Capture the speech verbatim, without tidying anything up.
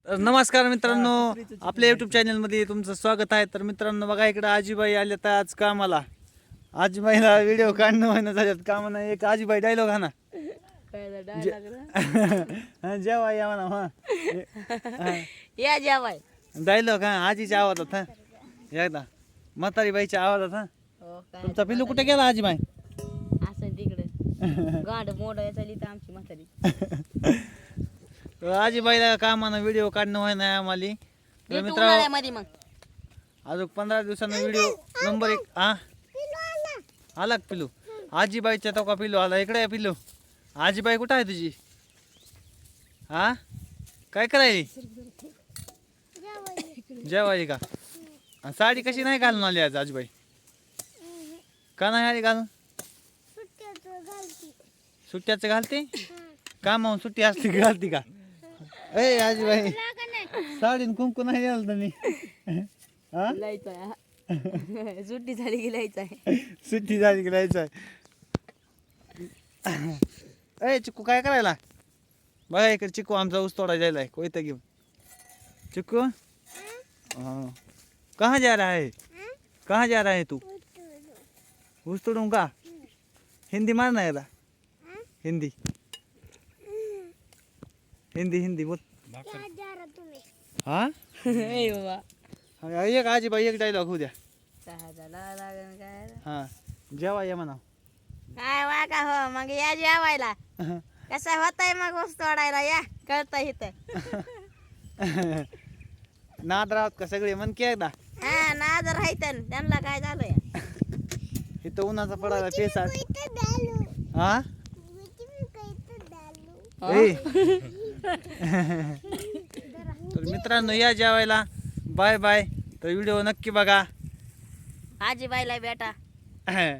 तर नमस्कार मित्रांनो, आपल्या युट्यूब चॅनलमध्ये तुमचं स्वागत आहे. तर मित्रांनो बघा, इकडे आजीबाई आल्या तर आज कामाला. आजीबाईला व्हिडिओ काढणं होईना झाल्यात कामानं. एक आजीबाई डायलॉग हा ना जेव्हा या म्हणा हा या जेवाय डायलॉग हा आजीच्या आवाजात हा एकदा म्हातारी बाईच्या आवाजात हा. हो काय तुमचा पिल्लू कुठे गेला आजीबाई? असं तिकडे गांड मोड चालली तर आमची म्हातारी तर आजीबाईला कामानं व्हिडिओ काढणं होईना आम्हाला. तर भेटू मित्र उन्हाळ्यामध्ये मग अजून पंधरा दिवसानं व्हिडिओ नंबर एक हा आला का पिल्लू? आजीबाईच्या तो का पिल्लू आला? इकडे आहे पिल्लू. आजीबाई कुठं आहे तुझी? हा काय करायली? जेवायली का? आणि साडी कशी नाही घालून आली आज आजीबाई? का नाही आली घालून? सुट्ट्याचं घालते का? मग सुट्टी असली की घालती का? ए आजीबाई साडी कुंकू नाही आलं तुम्ही हा लायचं सुट्टी झाली की लायचं आहे. सुट्टी झाली की जायचं आहे. ए चिक्कू काय करायला? बघा इकडे चिक्कू आमचा ऊस तोडा जायला कोयता घेऊन. चिक्कू हाँ कहाँ जा रहा है? कहाँ जा रहा है तू? ऊस तोडून का? हिंदी मारना है ना? हिंदी हिंदी हिंदी बोल. हाँ ए बाबा हाँ, एक आजीबाई एक डायलॉग होऊ द्या. चहा झाला लागन काय हा जेवा या म्हणा. काय वा का हो मग या जेवायला. कसं होतंय मग ऊस तोडायला या कळतं इथं. नाद राहत का सगळे मन की एकदा हा नाद राहायचं त्यांना काय झालं या इथं उन्हाचा पडायला पेसा हा ए. तर मित्रांनो या जेवायला. Bye bye. तर व्हिडिओ नक्की बघा. आजीबाईला बेटा